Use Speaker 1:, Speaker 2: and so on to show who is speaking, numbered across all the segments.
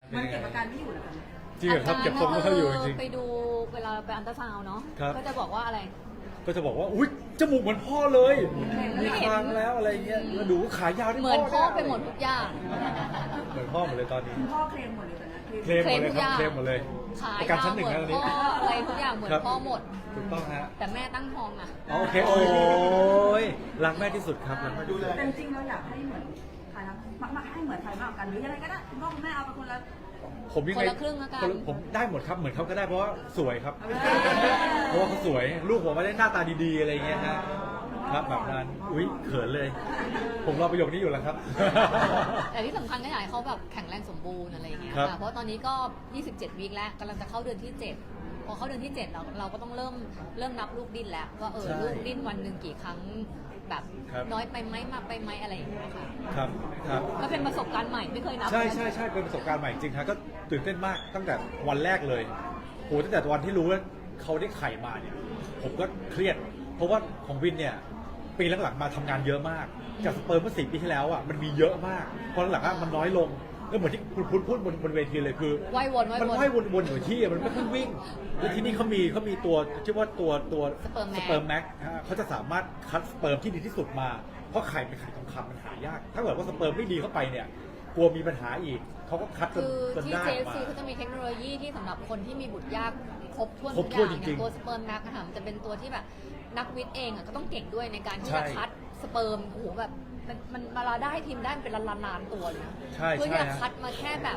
Speaker 1: มันเก็บอาการไม่อยู่เหรอคะ
Speaker 2: จริงเหรอครับเก็บทรงไม่ค่อยอยู่จริง
Speaker 3: ไปดูเวลาไปอันตราซาวน์เนาะ
Speaker 2: ครับ
Speaker 3: ก็จะบอกว่าอะไร
Speaker 2: ก็จะบอกว่าอุ้ยจมูกเหมือนพ่อเลยมี
Speaker 3: ไม่เห็น
Speaker 2: คางแล้วอะไรเงี้ยแล้วดูขายาวที่
Speaker 3: เหมือนพ่อ
Speaker 2: นี่ย
Speaker 3: ไปหมดทุกอย่าง
Speaker 2: เหมือนพ่อหมดเลยตอนนี้
Speaker 1: คุณพ่อเคลมหมดเลยตอนนั้น
Speaker 2: เคลมหมดเลยครับเคลมหมดเลย
Speaker 3: ขาย
Speaker 2: ประกันชั้นห
Speaker 3: เห
Speaker 2: นึ่ง
Speaker 3: มื
Speaker 2: นะ
Speaker 3: อ
Speaker 2: ตอน
Speaker 3: น
Speaker 2: นี้
Speaker 3: พ่ออะไรทุกอย่างเหมือน
Speaker 2: ครับ
Speaker 3: พ่อหมด
Speaker 2: ถูกต้องฮะ
Speaker 3: แต่แม่ตั้งท้องอ่ะ
Speaker 2: อ๋อโอเคโอ้ยรักแม่ที่สุดครับรักแม่ที่สุด
Speaker 1: แต่จริงๆเราอยากให้เหมือนใครนะมาให้เหมือนใครมากกว่ากันหรือยังไงก็ได้คุณพ่อคุณแม่เอาไปคนละ
Speaker 2: ผมยัง
Speaker 3: คน
Speaker 2: ไง
Speaker 3: ละครึ่งแล้วกัน
Speaker 2: ผมได้หมดครับเหมือนเขาก็ได้เพราะว่าสวยครับ เพราะว่าเขาสวยลูกผมไม่ได้หน้าตาดีๆอะไรเงี้ยฮะครับแบบนั้นอุ้ยเขินเลย ผมรอประโยคนี้อยู่แล้วครับ
Speaker 3: แต่ที่สำคัญก็อยากให้เขาแบบแข็งแรงสมบูรณ์อะไรอย่างเงี้ย
Speaker 2: ครับ
Speaker 3: ค่ะเพราะตอนนี้ก็ 27 วีคแล้วกำลังจะเข้าเดือนที่ 7 พอเข้าเดือนที่ 7 เราก็ต้องเริ่มนับลูกดิ้นแล้วว่าลูกดิ้นวันหนึ่งกี่ครั้งแบบ
Speaker 2: ครับ
Speaker 3: น้อยไปไหมมากไปไหมอะไรอย่างเงี้ยค่ะ
Speaker 2: ครับครับ
Speaker 3: ก็เป็นประสบการณ์ใหม่ไม่เคยนับ
Speaker 2: ใช่ใช่ใช่เป็นประสบการณ์ใหม่จริงครับก็ตื่นเต้นมากตั้งแต่วันแรกเลยโหตั้งแต่วันที่รู้ว่าเขาได้ไข่มาเนี่ยผมก็เครียด เพราะว่าของวินเนี่ยปีหลังๆมาทำงานเยอะมากจากสเปิร์มเมื่อ4 ปีที่แล้วอ่ะมันมีเยอะมากพอหลังๆอะมันน้อยลงแล้วเหมือนที่คุณพูดบนเวทีเลยคือ
Speaker 3: ว่ายวน
Speaker 2: มันว่ายวนๆอยู่ที่อะมันไม่ค่อยวิ่งแล้วที่นี่เขามีตัวชื่อว่าตัว
Speaker 3: Sperm Max
Speaker 2: สเปิร์มแม็กเขาจะสามารถคัดสเปิร์มที่ดีที่สุดมาเพราะไข่เป็นไข่ทองคำมันหายาก ถ้าเกิดว่าสเปิร์มไม่ดีเข้าไปเนี่ยกลัวมีปัญหาอีกเขาก็คัดจน
Speaker 3: คือ
Speaker 2: จน
Speaker 3: ที่
Speaker 2: ได้ออกมา
Speaker 3: JFC เขาจะมีเทคโนโลยีที่สำหรับคนที่มีบุตรยากครบถ้วน
Speaker 2: คร
Speaker 3: ทุ
Speaker 2: บ
Speaker 3: ก
Speaker 2: ถ้วน
Speaker 3: อย่าง
Speaker 2: จริงๆ
Speaker 3: อย่างตัวสเปิร์มนักนะคะมันจะเป็นตัวที่แบบนักวิทย์เองอะก็ต้องเก่งด้วยในการที่
Speaker 2: ใช่
Speaker 3: จะคัดสเปิร์มโอ้โหแบบมันเวลาได้ทีมได้เป็นล้านๆตัวเลยนะ
Speaker 2: ใช่
Speaker 3: เพื่อ
Speaker 2: ใช่
Speaker 3: ที่จะ
Speaker 2: ฮะ
Speaker 3: คัดมาแค่แบบ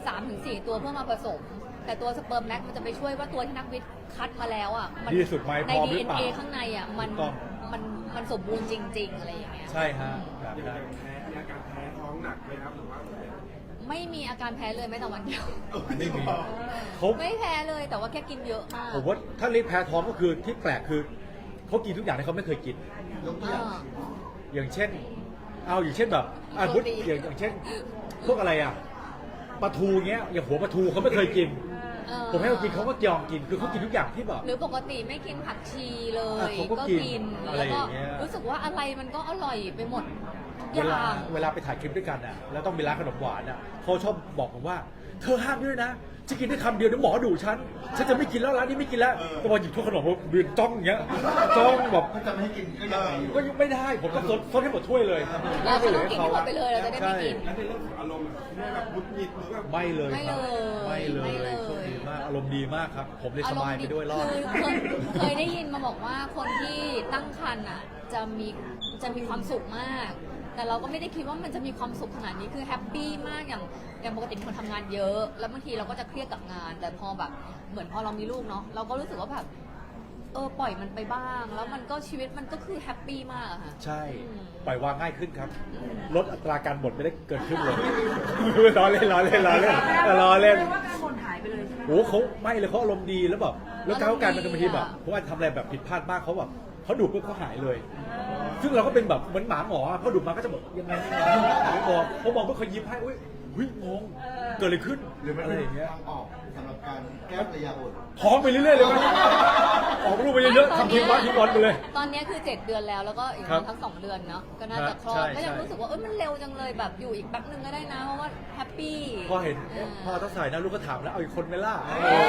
Speaker 3: 3-4 ตัวเพื่อมาผสม แต่ตัวสเปิร์มแน็กมันจะไปช่วยว่าตัวที่นักวิทย์คัดมาแล้วอ่ะมั
Speaker 2: ดีที่สุดไหม
Speaker 3: ใน
Speaker 2: พร้อมหรือเปล่า
Speaker 3: DNA ข้างในอ่ะมัน
Speaker 2: ถูกต้อง
Speaker 3: มันสมบูรณ์จริง ๆ อะไรอย่างเงี้ย
Speaker 2: ใช่ฮะแบบนั้น
Speaker 4: อาการแพ้ท้องหนักไหมครับหรือว่า
Speaker 3: ไม่มีอาการแพ้เลยแม้แต่วันเดียว
Speaker 2: ไม่มีเขา
Speaker 3: ไม่แพ้เลยแต่ว่าแค่กินเยอะมาก
Speaker 2: ผมว่าถ้าเรียกแพ้ท้องก็คือที่แปลกคือเขากินทุกอย่างที่เขาไม่เคยกิน
Speaker 3: อ่า
Speaker 2: อย่างเช่นอย่างเช่นแบบพุทธอย่างเช่น พวกอะไรอ่ะปลาทูเงี้ยอย่างหัวปลาทูเขาไม่เคยกิน ผมให้เขากินเขาก็ยอมกินคือเขากินทุกอย่างที่แบบ
Speaker 3: หรือปกติไม่กินผักชีเลย
Speaker 2: เขาก็
Speaker 3: ก็
Speaker 2: กิน
Speaker 3: กิน
Speaker 2: อะไร
Speaker 3: แล้ว
Speaker 2: อ
Speaker 3: ก็
Speaker 2: ย่างเงี้ย
Speaker 3: รู้สึกว่าอะไรมันก็อร่อยไปหมดทุกอ
Speaker 2: เวลา
Speaker 3: ย่าง
Speaker 2: เวลาไปถ่ายคลิปด้วยกันอ่ะแล้วต้องมีร้านขนมหวานอ่ะเขาชอบบอกผมว่า เธอห้ามด้วยนะจะกินได้คำเดียวเดี๋ยวหมอดุฉันจะไม่กินแล้วร้านนี้ไม่กินแล้วแต่พอหยิบถ้วยขนมผมยืนจ้องอย่างเงี้ยจ้องแบบ
Speaker 4: ถ้าจะไม่ให้กินก็ยังไงอยู่
Speaker 2: ก็ยังไม่ได้ผมก็ซดให้หมดถ้วยเลย
Speaker 3: เราก็ต้องกินให้หมดไปเลยเราจะได้ไม่กิน
Speaker 4: แล้วในเรื่องของอารมณ์คุณแม่แบบมุดหงิดหรือแบบ
Speaker 2: ไม่เลย
Speaker 3: ไม่
Speaker 2: ครับ
Speaker 3: เลย
Speaker 2: ไม่เล
Speaker 3: ไม่
Speaker 2: ย
Speaker 3: เลย
Speaker 2: โชคดีมากอารมณ์ดีมากครับ ผมเลยสบายไปด้วยรอด
Speaker 3: คือเคยได้ยินมาบอกว่าคนที่ตั้งครรภ์อ่ะจะมีความสุขมาก แต่เราก็ไม่ได้คิดว่ามันจะมีความสุขขนาดนี้คือแฮปปี้มากอย่างปกติเป็นคนทำงานเยอะ แล้วบางทีเราก็จะเครียดกับงาน แต่พอแบบเหมือนพอเรามีลูกเนาะเราก็รู้สึกว่าแบบปล่อยมันไปบ้าง แล้วมันก็ชีวิตมันก็คือแฮปปี้มากอะค่ะ
Speaker 2: ใช่
Speaker 3: อืม
Speaker 2: ปล่อยวางง่ายขึ้นครับ ลดอัตราการบ่นไม่ได้เกิดขึ้นเลย ล้อเล่นล้อเล่นล้อเล่นล้อเล่น
Speaker 1: แปว่าการบ่นหายไปเลยใช่ไหม
Speaker 2: โอ้เขาไม่เลยเขาอารมณ์ดีแล้วแบบแล้วการการมันบางทีแบบเพราะว่าทำอะไรแบบผิดพลาดมากเขาแบบเขาดุปุ๊บเขาหายเลย ซึ่งเราก็เป็นแบบเหมือนหมาหมออะเขาดุมาก็จะบอกยังไงไม่บอกเขามองก็เขายิ้มให้อุ้ยงงเกิดอะไรขึ้น
Speaker 4: หรือมัน
Speaker 2: อะไร
Speaker 4: เป็น
Speaker 2: อย่างเงี้ย
Speaker 4: ทางออกสำหรับการแก้ระยะอด
Speaker 2: ท้องไปเรื่อยๆเลยมั้ยออกลูกไปเยอะๆทำทีมวัดทีมบอลไปเลย
Speaker 3: ตอนนี้คือ 7 เดือนแล้วแล้วก็อีก
Speaker 2: ครับ
Speaker 3: ทั้ง 2 เดือนเนาะก็น่าจะคลอ
Speaker 2: ใช่
Speaker 3: ดก็ยัง
Speaker 2: ใช่
Speaker 3: รู้สึกว่ามันเร็วจังเลยแบบอยู่อีกแป๊บนึงก็ได้นะเพราะว่าแฮปปี้
Speaker 2: พอเห็นพอต้องใส่นะลูกก็ถามแล้วเอาอีกคนไหมล่ะ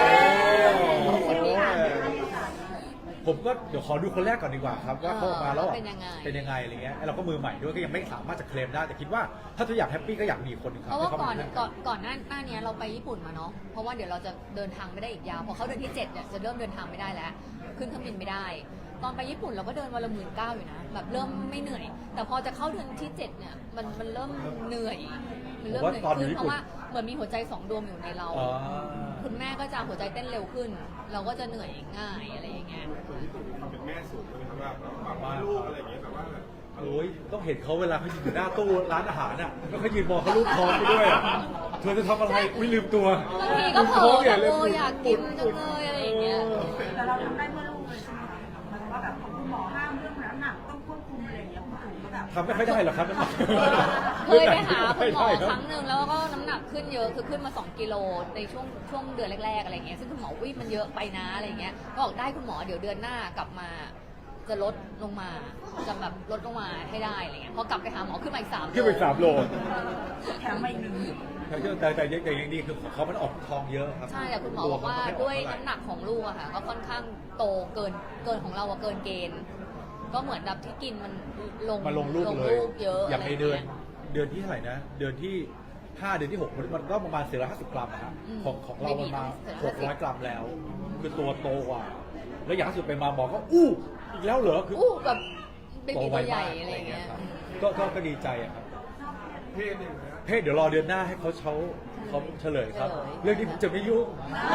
Speaker 2: ผมก็เดี๋ยวขอดูคนแรกก่อนดีกว่าครับว่าเข้ามาแล้วเป็นยังไงอะไรเงี้ยเราก็มือใหม่ด้วยก็ยังไม่สามารถจะเคลมได้แต่คิดว่าถ้าทุกอย่างแฮปปี้ก็อยากมีคนหนึ่งครั
Speaker 3: เพ
Speaker 2: บ
Speaker 3: ราะว่า
Speaker 2: ให้
Speaker 3: ก่อนหน้านี้เราไปญี่ปุ่นมาเนาะเพราะว่าเดี๋ยวเราจะเดินทางไม่ได้อีกยาวพอเขาเดือนที่7เนี่ยจะเริ่มเดินทางไม่ได้แล้วขึ้นเครื่องบินไม่ได้ ตอนไปญี่ปุ่นเราก็เดินวันละ19,000อยู่นะแบบเริ่มไม่เหนื่อย แต่พอจะเข้าเดือนที่7เนี่ยมันเริ่มเหนื่อยมันเริ่มเหนื่อยขึ้นเพราะว่าเหมือนมีหัวใจ2 ดวงอยู่ในเรา คุณแม่ก็จะหัวใจเต้นเร็วขึ้น เราก็จะเหนื่อยง่ายอะไรอย่างเงี้ย
Speaker 4: คนญี่ปุ่นเขาเป็นแม่สูงเลยครับแบบว่าลูกอะไรอย่างเงี้ยแบบว่า
Speaker 2: โอ้ยต้องเห็นเขาเวลาเขายืนอยู่หน้าตู้ร้านอาหารน่ะแล้วเขายืนมองเขาลูกท้องไปด้วยอ่ะเธอจะทำอะไรอุ้ยลืมตัว
Speaker 3: บางทีก็เผลอแบบอยากกินจังเลยอะไรอย่างเงี้ย
Speaker 1: แต่เราทำได้เพื่อลูกเลยใช่ไหมคะหมายถึงว่าแบบคุณหมอห้ามเรื่องน้ำหนักต้องควบคุมอะไรอย่างเงี้ยคุณตู่ก็แบบ
Speaker 2: ทำไม่ค่อยได้หรอกครับ
Speaker 3: เคยไปหาคุณหมอครั้งหนึ่งแล้วก็น้ำหนักขึ้นเยอะคือขึ้นมา2 กิโลในช่วงเดือนแรกๆอะไรเงี้ยซึ่งคุณหมอมันเยอะไปนะอะไรเงี้ยก็บอกได้คุณหมอเดี๋ยวเดือนหน้ากลับมาจะลดลงมาจะแบบลดลงมาให้ได้อะไรเงี้ยพอกลับไปหาหมอขึ้นมาอีก3
Speaker 2: ขึ้นไป3 โล
Speaker 1: แถมมาอีกหนึ่ง
Speaker 2: แต่ยังดีคือของเขามันออกทองเยอะครับ
Speaker 3: ใช่แต่คุณหมอบอกว่าด้วยน้ำหนักของลูกอะค่ะก็ค่อนข้างโตเกินของเราอะเกินเกณฑ์ ก็เหมือนแบบที่กินมันลง
Speaker 2: มาลงลูกเลย
Speaker 3: เยอะ
Speaker 2: อย่างใน
Speaker 3: ะไร
Speaker 2: เดือน
Speaker 3: งี้ย
Speaker 2: เดือนที่เท่าไหร่นะ เดือนที่ 5 เดือนที่ 6 มันก็ประมาณ450 กรัมอะครับ
Speaker 3: อืม
Speaker 2: ของเรามันมา
Speaker 3: ไม่มี
Speaker 2: 600 กรัมแล้ว คือตัวโตกว่า แล้วอย่างล่าสุดไปมาบอกก็อู้อีกแล้วเหรอคือ
Speaker 3: อู้แบบเบ
Speaker 2: โต
Speaker 3: บี
Speaker 2: ไว
Speaker 3: ตัวใหญ่
Speaker 2: มาก
Speaker 3: อะไรเงี้ย
Speaker 2: ครับก็ดีใจอะครับ
Speaker 4: เพศหนึ่งนะ
Speaker 2: เพศเดี๋ยวรอเดือนหน้าให้เขาเฉลยครับ เรื่องนี้ผมจะไม่ยุ่ง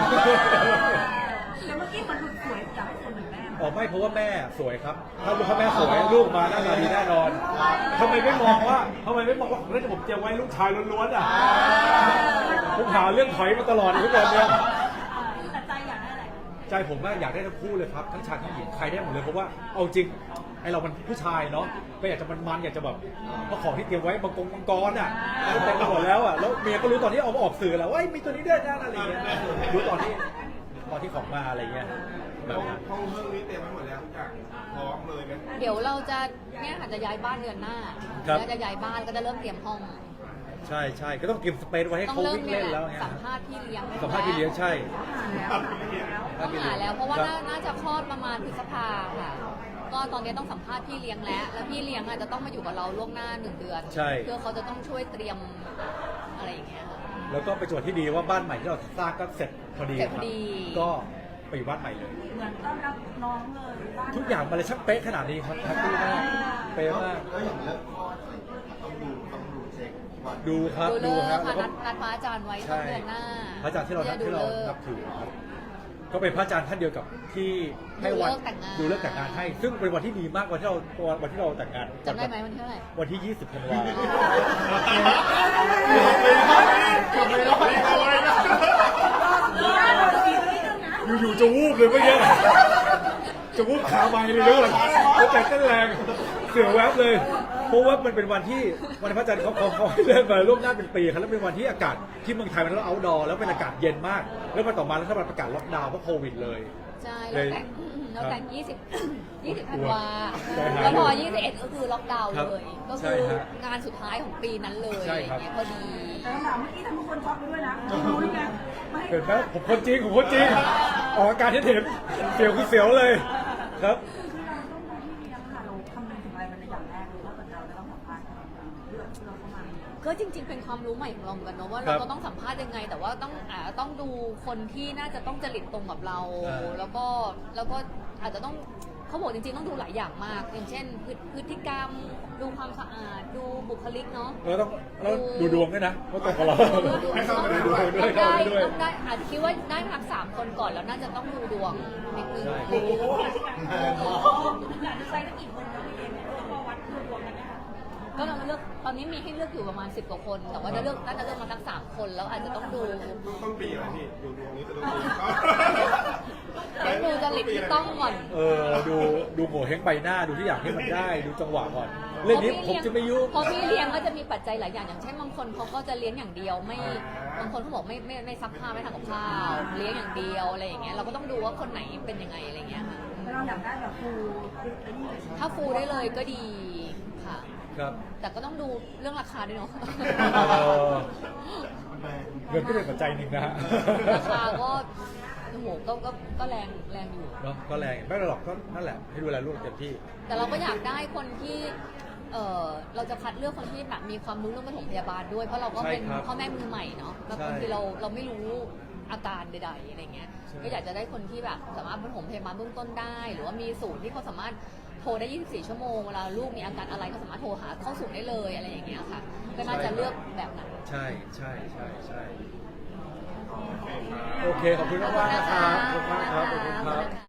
Speaker 1: แต่เมื่อกี้มันหลุดสวยจากคนหนึ่งแม่
Speaker 2: อ๋อไม่เพราะว่าแม่สวยครับ ถ้าลูกแม่สวยลูกมาหน้าตาดีแน่นอนทำไมไม่มองว่าแล้วผมเตรียมไว้ลูกชายล้วนๆอ่ะผมหาเรื่องถอยมาตลอดทุกวันเนี่ย
Speaker 1: แต่ใจอยากได้อะไร
Speaker 2: ใจผมว่าอยากได้ทั้งคู่เลยครับทั้งชายทั้งหญิงใครได้หมดเลยเพราะว่าเอาจริงไอเรามันผู้ชายเนาะก็อยากจะมันอยากจะแบบเพราะของที่เตรียมไว้มังกรอ่ะเต็มไปหมดแล้วอ่ะแล้วเมียก็รู้ตอนที่เอามาออกสื่อแล้วว่ามีตัวนี้ด้วยนะอะไรอย่างเงี้ยรู้ตอนที่ของมาอะไรเงี้ยแบบนั้น
Speaker 4: ห้องเรื่องนี้เตรียมไว้หมดแล้วทุกอย่างพร้อมเลยไหม
Speaker 3: เดี๋ยวเราจะเนี่ยอาจจะย้ายบ้านเดือนหน้า
Speaker 2: ครับ
Speaker 3: แล้วจะย้ายบ้านก็จะเริ่มเตรียมห้อง
Speaker 2: ใช่ก็ต้องเตรียมสเปซไว้ให้
Speaker 3: ต้อง
Speaker 2: เขา
Speaker 3: เริ่ม
Speaker 2: วิ่ง
Speaker 3: เนี่ย
Speaker 2: เล่น
Speaker 3: แห
Speaker 2: แล้ว
Speaker 3: ละ
Speaker 2: ไง
Speaker 3: สัมภาษณ์พี่เลี้ยง
Speaker 2: สัมภาษณ์พี่เลี้ยงใช่
Speaker 3: ต้องหาแล้วเพราะว่าน่าจะคลอดประมาณพฤษภาค่ะ ก็ตอนนี้ต้องสัมภาษณ์พี่เลี้ยงแล้วพี่เลี้ยงอาจจะต้องมาอยู่กับเราล่วงหน้า1 เดือน
Speaker 2: ใช่
Speaker 3: เพื่อเขาจะต้องช่วยเตรียมอะไรอย่างเงี้ยค่ะ
Speaker 2: แล้วก็เป็นจังหวะที่ดีว่าบ้านใหม่ที่เราสร้างก็เสร็จพอดี
Speaker 3: เสร็จ
Speaker 2: ค
Speaker 3: พ
Speaker 2: รั
Speaker 3: อบ ดี
Speaker 2: ก็ไปอยู่บ้านใหม่เลย
Speaker 1: เหมือนต้อนรับน้องเลยบ้าน
Speaker 2: ทุกอย่างมันเลยช่างเป๊ะขนาดนี้ครับแฮปปี้มากเป๊ะมาก
Speaker 5: แล้วอย่างเรื่องคลอดต้องดูเช็คก่อน
Speaker 2: ดูครับ
Speaker 3: ดู
Speaker 2: ดู
Speaker 3: เลิก
Speaker 2: ครับ
Speaker 3: ค่ะ
Speaker 2: แล้วก็
Speaker 3: นัดพระอาจารย์ไว้ต้
Speaker 2: ใช่
Speaker 3: นเดือนหน้า
Speaker 2: พระอาจารย์ที่เรา
Speaker 3: จะดูเลิก
Speaker 2: นับถือครับก็เป็นพระอาจารย์ท่านเดียวกับที่ให้วัน
Speaker 3: ดูเลิกแต่งงาน
Speaker 2: ดูเลิกแต่งงานให้ ซึ่งเป็นวันที่ดีมากวันที่เราแต่งงาน
Speaker 3: จำได้ไหมวันที่เท่าไหร่
Speaker 2: วันที่ 20 ธันวาคมอยู่ๆจะวูบเลยเมื่อกี้จะวูบขาไม้เลยด้วยแล้วใจเต้นแรงเสียวแวบเลย เพราะว่ามันเป็นวันที่วันพระอาจารย์เขาให้เริ่มมาล่วงหน้าเป็นปีครับแล้วเป็นวันที่อากาศที่เมืองไทยมันแล้วเอาท์ดอร์แล้วเป็นอากาศเย็นมาก แล้วมาต่อมารัฐบาลประกาศล็อกดาวน์เพราะโควิดเลย
Speaker 3: ใช่
Speaker 2: เลย
Speaker 3: เราแต่ง20ธันวา
Speaker 2: ใช่ครับ
Speaker 3: แล้วพอ21ก็คือล็อกดาวน์
Speaker 2: ครับ
Speaker 3: เลย ก็
Speaker 2: ใช่
Speaker 3: คือ
Speaker 2: ฮะ
Speaker 3: งานสุดท้ายของปีนั้นเลย
Speaker 2: ใช่
Speaker 3: อย่าง
Speaker 2: ครับ
Speaker 3: เงี้ยพอดี
Speaker 1: แต่คำถามเมื่อกี้ทำให้คนช็อกไปด้วยนะไม่รู้นี่ไงไม่ให้
Speaker 2: เห็นไหมผมคนจริงออกอาการที่เห็นเสียวคือเสียวเลยครับ
Speaker 1: คือเราต้องดูที่เลี้ยงค่ะเราคำนึงถึงอะไรเป็นอย่างแรกเลยว่าเราจะต้องสัมภาษณ์เรื่องที่เราเข้ามา
Speaker 3: ก็จริง ๆ เป็นความรู้ใหม่ของเราเหมือนกันเนอะว่า
Speaker 2: ครั
Speaker 3: เรา
Speaker 2: บ
Speaker 3: ก็ต้องสัมภาษณ์ยังไง แต่ว่าต้องดูคนที่น่าจะต้องจริตตรงกับเรา แล้วก็อาจจะต้องเขาบอกจริงๆต้องดูหลายอย่างมาก อย่างเช่นพฤติกรรม ดูความสะอาดดูบุคลิกเนาะ
Speaker 2: แล้วดูดวงด้วยนะว่าตรงกับเรา
Speaker 4: ให้เข้าไปในดวง
Speaker 2: ด้วยเข้าไปด้วย
Speaker 3: ต้องได้อาจจะคิดว่าได้พัก3 คนก่อนแล้วน่าจะต้องดูดวงนิดนึง
Speaker 2: ใช่
Speaker 4: โอ้โห
Speaker 1: อยากจะใส่สักกี่คนเราเองพอวัดรวมกันนะคะ
Speaker 3: ก็เราเลือกตอนนี้มีให้เลือกอยู่ประมาณ10 กว่าคน แต่ว่าน่าจะเลือกมาสัก3 คนแล้วอาจจะต้องดู
Speaker 4: ต้นปีอะไรพี่ดูดวงนี้จะต้อง
Speaker 3: เดี๋ยวดูจริตที่ต้องก่อน
Speaker 2: ดูโง่เฮงใบหน้าดูที่อย่างให้มันได้ดูจังหวะก่อน เรื่องนี้ผมจะไม่ยุ่ง
Speaker 3: เพราะพี่เลี้ยงก็จะมีปัจจัยหลายอย่างอย่างเช่นบางคนเขาก็จะเลี้ยงอย่างเดียวไม่บางคนเขาบอกไม่ซักผ้าไม่ทำกับข้าวเลี้ยงอย่างเดียวอะไรอย่างเงี้ยเราก็ต้องดูว่าคนไหนเป็นยังไงอะไรเงี้ยค่ะ
Speaker 1: แต่เราอยากได้แบบฟูไอ้นี่เลย
Speaker 3: ถ้าฟูได้เลยก็ดีค่ะ
Speaker 2: ครับ
Speaker 3: แต่ก็ต้องดูเรื่องราคาด้วยเนาะ
Speaker 2: เงินก็เป็นปัจจัยหนึ่งนะฮะ
Speaker 3: ราคาก็โอ้โหก็แรงอยู่
Speaker 2: เนาะก็แรงไม่หรอกก็นั่นแหละให้ดูแลลูกเต็มที่
Speaker 3: แต่เราก็อยากได้คนที่เราจะคัดเลือกคนที่แบบมีความรู้เรื่องปฐมพยาบาลด้วยเพราะเราก็เป็น
Speaker 2: ใช่ครับ
Speaker 3: พ่อแม่มือใหม่เนาะแล้ว
Speaker 2: ใช่
Speaker 3: บางทีเราไม่รู้อาการใดๆอะไรเงี้ย
Speaker 2: ใช่
Speaker 3: ก็อยากจะได้คนที่แบบสามารถปฐมพยาบาลเบื้องต้นได้ หรือว่ามีศูนย์ที่เขาสามารถโทรได้ 24 ชั่วโมงเวลาลูกมีอาการอะไรก็สามารถโทรหาเข้าศูนย์ได้เลยอะไรอย่างเงี้ยค่ะ ก็น่าจะเลือกแบบนั้น
Speaker 2: ใช่โอเคขอบคุณมากๆนะครับขอบคุณมากครับขอบคุณครับ